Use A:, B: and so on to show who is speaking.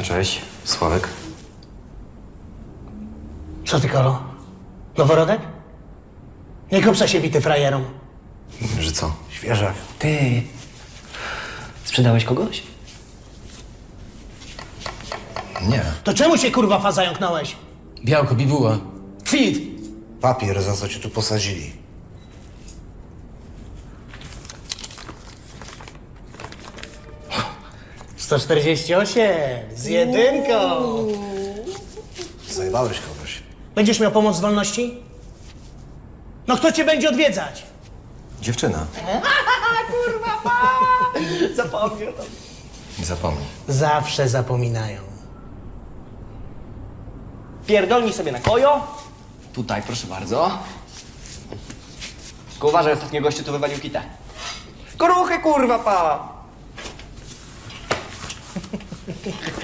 A: cześć. Sławek.
B: Co ty, Kolo? Noworodek? Nie kupsa się bity frajerom.
A: Że co?
B: Świeżak.
C: Ty, sprzedałeś kogoś?
A: Nie.
B: To czemu się kurwa faza jąknąłeś?
C: Białko, bibuła. Kwit!
D: Papier, za co cię tu posadzili.
B: $148 z jedynką.
D: Zajebałeś kogoś.
B: Będziesz miał pomoc z wolności? No kto cię będzie odwiedzać?
A: Dziewczyna.
B: Zapomniał.
A: Nie zapomnij.
B: Zawsze zapominają.
E: Pierdolnij sobie na kojo. Tutaj, proszę bardzo. Tylko uważaj, ostatnio gościu tu wywalił kitę. Koruchy, kurwa, pa!